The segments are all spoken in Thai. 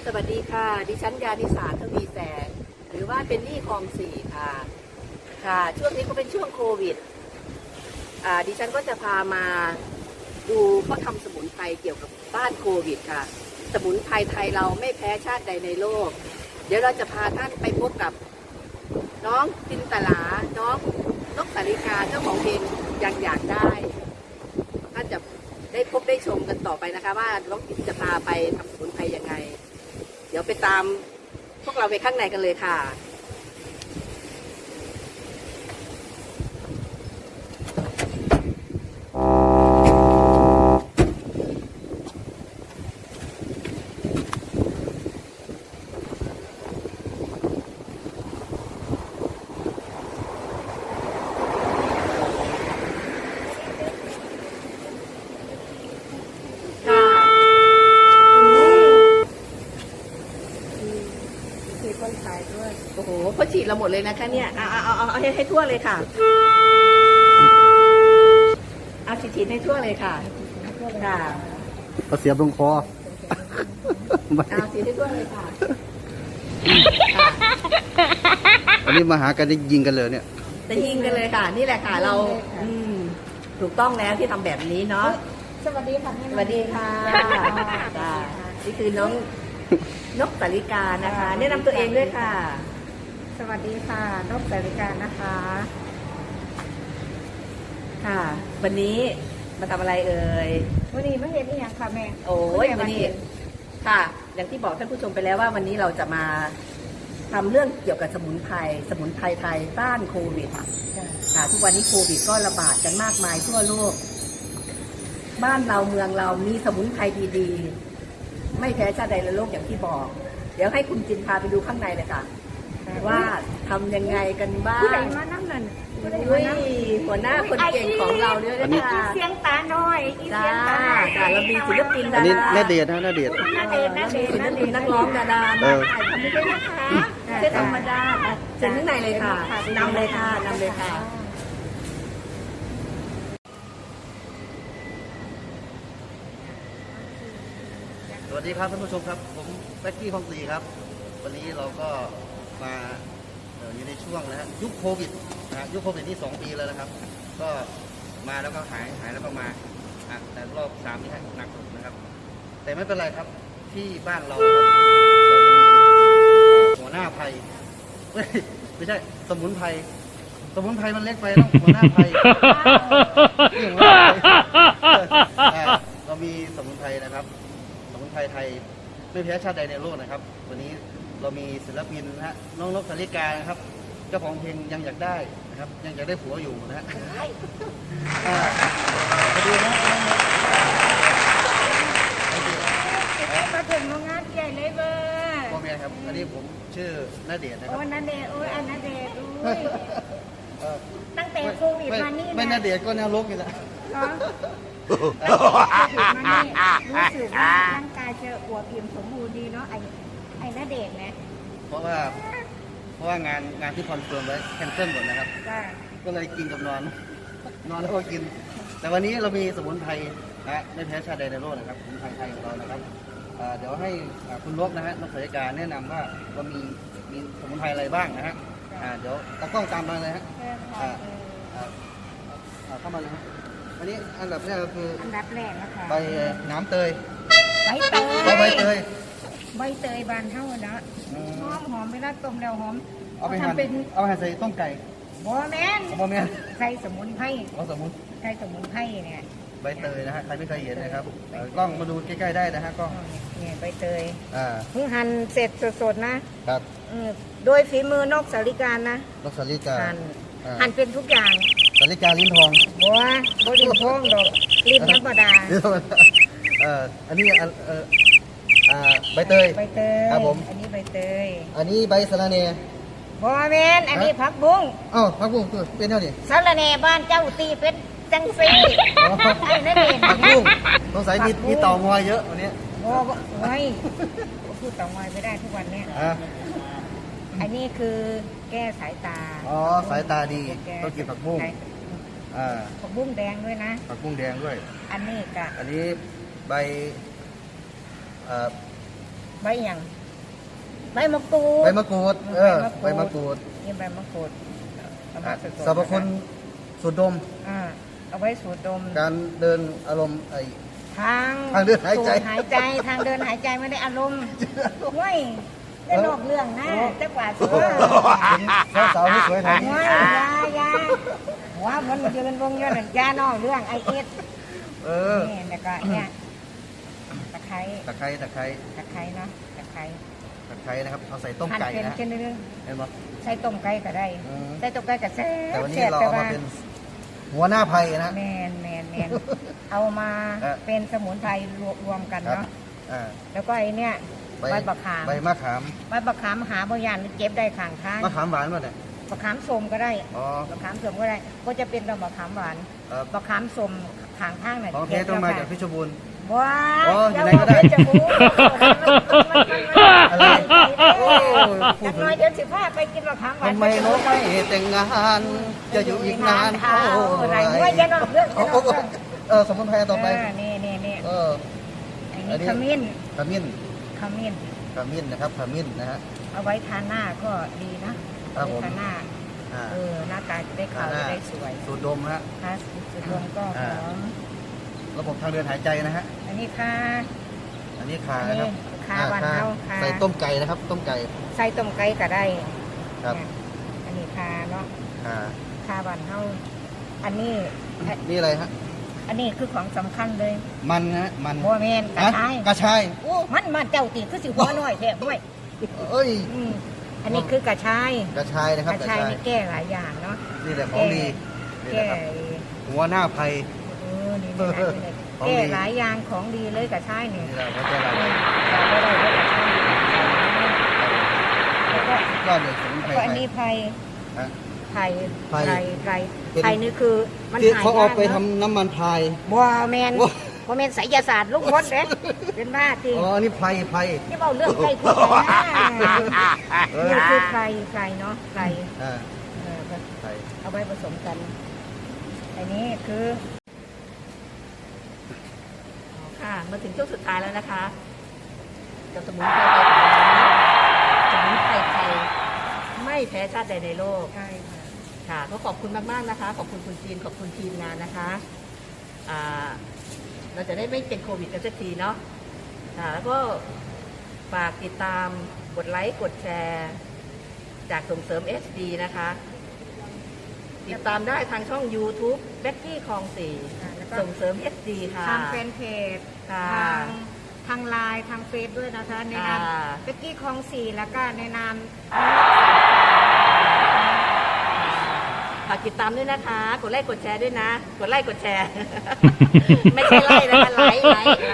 สวัสดีค่ะดิฉันยานิสาทวีแสงหรือว่าเป็นนี่คลองสี่ค่ะช่วงนี้ก็เป็นช่วงโควิดดิฉันก็จะพามาดูเขาทำสมุนไพรเกี่ยวกับต้านโควิดค่ะสมุนไพรไทยเราไม่แพ้ชาติใดในโลกเดี๋ยวเราจะพาท่านไปพบกับน้องจินตลาน้องนกสาริกาเจ้าของเพลงยังอยากได้ท่านจะได้พบได้ชมกันต่อไปนะคะว่าน้องจินจะพาไปทำสมุนไพรยังไงเดี๋ยวไปตามพวกเราไปข้างในกันเลยค่ะโอ้โหพอฉีดเราหมดเลยนะคะเนี่ยเอาให้ทั่วเลยค่ะเอาฉีดให้ทั่วเลยค่ะเอาเสียบลงคอเอาฉีดให้ทั่วเลยค่ะอันนี้มาหากันได้ยิงกันเลยเนี่ยจะยิงกันเลยค่ะนี่แหละค่ะเราถูกต้องแล้วที่ทำแบบนี้เนาะสวัสดีค่ะสวัสดีค่ะนี่คือน้องนกสาริกานะคะแนะนำตัวเองด้วยค่ะสวัสดีค่ะนกสาริกานะคะค่ะวันนี้มาทำอะไรเอ่ยวันนี้มาเห็นนี่ยังค่ะแม่โอ้ยวันนี้ค่ะอย่างที่บอกท่านผู้ชมไปแล้วว่าวันนี้เราจะมาทำเรื่องเกี่ยวกับสมุนไพรไทยต้านโควิดค่ะทุกวันนี้โควิดก็ระบาดกันมากมายทั่วโลกบ้านเราเมืองเรามีสมุนไพรดีๆไม่แพ้ชาติใดในโลกอย่างที่บอกเดี๋ยวให้คุณจินพาไปดูข้างในเลยค่ะว่าทำยังไงกันบ้างผู้ใดมานั่งนั่นหัวหน้าคนเก่งของเราด้วยนะคะเสียงตาน้อยจ้าเรามีศิลปินดาราอันนี้นาเดชน์นะนาเดชน์ศิลปินนักร้องดาราถ่ายทำไม่ได้นะคะไม่ใช่ธรรมดาเชิญข้างในเลยค่ะนำเลยค่ะสวัสดีครับท่านผู้ชมครับผมแบ็คกี้คลองสี่ครับวันนี้เราก็มาอยู่ในช่วงนะยุคโควิดนะยุคโควิดนี่2 ปีแล้วนะครับ ก็มาแล้วก็หายแล้วก็มาแต่รอบ3นี่หนักสุดนะครับแต่ไม่เป็นไรครับที่บ้านเราครับเราจะมีหัวหน้าภัยไม่ใช่สมุนไพรมันเล็กไปต้องหัวหน้าภัยเรามีสมุนไพรนะครับสมุนไพรไทยไม่แพ้ชาติใดในโลกนะครับวันนี้เรามีศิลปินนะฮะน้องนกสาริกานะครับเจ้าของเพลงยังอยากได้นะครับยังอยากได้ผัวอยู่นะฮะมาดูนะมาถึงโรงงานใหญ่เลยเบอร์พ่อแม่ครับอันนี้ผมชื่อณเดชน์นะครับโอ้ณเดชน์อันณเดชน์ตั้งแต่โควิดมานี่ไม่ณเดชน์ก็แนวลกอยู่แล้วรู้สึกว่าร่างกายจะอวบอิ่มสมบูรณ์ดีเนาะไอ้ณเดชน์นะเพราะว่างานที่คอนเฟิร์มไว้แคนเซิลหมดนะครับก็เลยกินกับนอนแล้วก็กินแต่วันนี้เรามีสมุนไพรนะไม่แพ้ชาติใดในโลกนะครับสมุนไพรไทยของเรานะครับเดี๋ยวให้คุณนกนะฮะนกสาริกาแนะนำว่าเรามีสมุนไพรอะไรบ้างนะฮะเดี๋ยวตากล้องตามมาเลยฮะเข้ามาเลยฮะอันนี้อันดับแรกก็คืออันดับแรกนะคะใบน้ำเตยใบเตยบานเท่านะหอมเวลาต้มแล้วหอมเอาไปหั่นใส่ต้มไก่บอแมนใส่สมุนไพรใส่สมุนไพรเนี่ยใบเตยนะฮะใครไม่เคยเห็นนะครับกล้องมาดูใกล้ๆได้นะฮะกล้องเนี่ยใบเตยเพิ่งหั่นเสร็จสดๆนะครับโดยฝีมือนกสาริกานะนกสาริกาหั่นเป็นทุกอย่างสาริกาลิ้นทองบัวลิ้นทองดอกลิ้นธรรมดาอันนี้ใบเตยครับผมอันนี้ใบเตยอันนี้ใบสะระแหน่บอแมนอันนี้ผักบุ้งผักบุ้งเป็นเท่านี้สะระแหน่บ้านเจ้าตีเป็นจังซีไอ้นั่นเองผักบุ้งสงสัยมีเต่างอยเยอะวันนี้ไม่พูดเต่างอยไม่ได้ทุกวันเนี้ยอันนี้คือแก้สายตาสายตาดีต้องกินผักบุ้งผักบุ้งแดงด้วยนะผักบุ้งแดงด้วยอันนี้ใบใบอย่างใใบมะกรูดใบมะกรูดใบมะกรูดนี่ใบมะกรูดเอามาสดๆสรรพคุณสูดดมเอาไว้สูดดมการเดินอารมณ์ทางทางเดินหายใจสูดหายใจทางเดินหายใจไม่ได้อารมณ์เว้ยได้นอกเรื่องนะจักว่าสิว่าสาวๆที่สวยทางนี้เว้ยยาหัวมันยืนวงเงินยานอกเรื่องไอเอสนี่แล้วก็เนี่ยตะไคร้ตะไคร้เนาะตะไคร้ตะไคร้นะครับเอาใส่ต้มไก่หั่นนะเป็นเรื่องเห็นไหมใส่ต้มไก่ก็ได้ใส่ต้มไก่ก็แซ่บแต่วันนี้เราเอามาเป็นหัวหน้าไผ่นะแมนเอามาเป็นสมุนไพรรวมกันครับเนาะแล้วก็ไอเนี่ยใบบักขามใบมะขามใบบักขามหาบางอย่างเก็บได้ข้างทางมะขามหวานป่ะเนี่ยบักขามส้มก็ได้อ๋อบักขามส้มก็ได้ก็จะเป็นบักขามหวานครับบักขามส้มข้างทางเนี่ยของเทต้องมาจากเพชรบูรณ์ว้าอ๋ออยู่ไหนก็ได้จะบู๊อะไรโอ้จักหน้อยเดี๋ยวสิพาไปกินบักขามหวานทำไมน้องไม่แต่งงานจะอยู่อีกนานเท่าไหไหร่ร่ด้วยยันออกเรื่องยันออกเรื่องสมุนไพรต่อไปนี่อัอันนนี้นี้ขมิ้นขมิ้นขมิ้นนะครับขมิ้นนะฮะเอาไว้ทาหน้าก็ดีนะครัเอาบผมไว้ทาหน้าอ่าหน้าตาจะได้ขาวจะได้สวยสูดดมฮะทาสุดรวมก็หอมระบบทางเดินหายใจนะฮะอันนี้ค่ะอันนี้ขานะครับขาหวานเท้าขาใส่ต้มไก่นะครับ ต้มไก่ใส่ต้มไก่ก็ได้ครับเนี่ยอันนี้ขาเนาะขาขาหวานเท้าอันนี้นี่อะไรฮะอันนี้คือของสำคัญเลยมันนะฮะมันโบเมนกระชายกระชายโอ้มันเจ้าตีคือสิหัวน้อยแท้ด้วยเอ้ยอันนี้คือกระชายกระชายนะครับกระชายนี่แก้หลายอย่างเนาะนี่แหละของดีนี่แก้นะครับหัวหน้าไผ่นี่นะแก้หลายอย่างของดีเลยกระชายเนี่ยนี่แหละหัวใจเราแล้วก็ก็เลยสมุนไพรอันนี้ไผ่ฮะไผ่ไผ่ไผ่นี่คือมันที่หายเขาเอาไปยกทำน้ำมันพายบัวแมนบัวแมนไสยศาสตร์ลูกมดเด้เป็นบ้าจริงอ๋ออันนี้ไผ่นี่เบาเรื่องไก่พูดไปนะนี่คือไก่เนาะไก่อ่าเออไผ่เอาไว้ผสมกัน อันนี้คือค่ะมาถึงช่วงสุดท้ายแล้วนะคะกับสมุนไพรไทยของเราสมุนไพรไทยไม่แพ้ชาติใดในโลกใช่ค่ะค่ะก็ขอบคุณมากๆนะคะ ขอบคุณคุณจีนขอบคุณทีมงานนะคะเราจะได้ไม่เป็นโควิดกันสักทีเนาะค่ะแล้วก็ฝากติดตามกดไลค์กดแชร์จากส่งเสริม SD นะคะติดตามได้ทางช่อง YouTube เบ็กกี้คลองสี่แล้วก็ส่งเสริม SD ค่ะทางแฟนเพจค่ะทางไลน์ทางเฟซด้วยนะคะ ในนามค่ะเบกกี้คลองสี่แล้วก็ในนามฝากติดตามด้วยนะคะ กดไลค์กดแชร์ด้วยนะ กดไลค์กดแชร์ ไม่ใช่ไลค์นะคะไลค์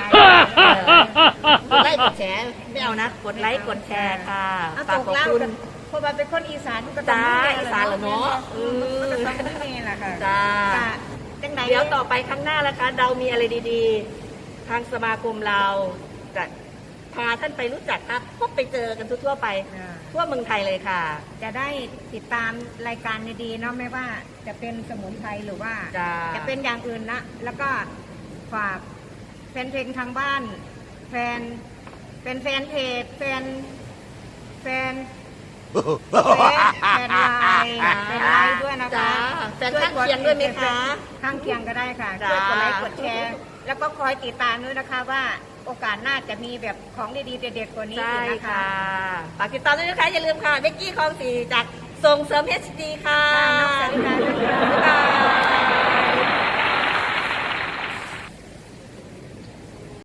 กดไลค์กดแชร์ไม่เอานะ กดไลค์กดแชร์ค่ะเอาฝากตกขอบเล่าคุณกันเพราะว่าเป็นคนอีสานก็จ้าอีสานเหรอเนาะมันก็ต้องเป็นนี่แหละค่ะจ้าจังไหนเดี๋ยวต่อไปข้างหน้านะคะ เรามีอะไรดีๆ ทางสมาคมเราจะพาท่านไปรู้จักครับพบไปเจอกันทั่วๆไป ทั่วเมืองไทยเลยค่ะจะได้ติดตามรายการดีๆเนาะไม่ว่าจะเป็นสมุนไพรหรือว่าจ้าจะเป็นอย่างอื่นนะ แล้วก็ฝากแฟนเพลงทางบ้าน แฟนเป็นแฟนเพจแฟนไลน์เป็นไลน์ด้วยนะคะจ้าแฟนข้างเคียงด้วยไหมคะข้างเคียงก็ได้ค่ะจ้าช่วยกดไลค์กดแชร์แล้วก็คอยติดตามด้วยนะคะว่าโอกาสหน้าจะมีแบบของดีๆเด็ดๆกว่านี้ใช่อีกนะคะค่ะฝากติดตามด้วยนะคะ อย่าลืมค่ะเบกกี้คลองสี่จากส่งเสริม HD ค่ะค่ะน้องสาริกาด้วยค่ะบ๊ายบาย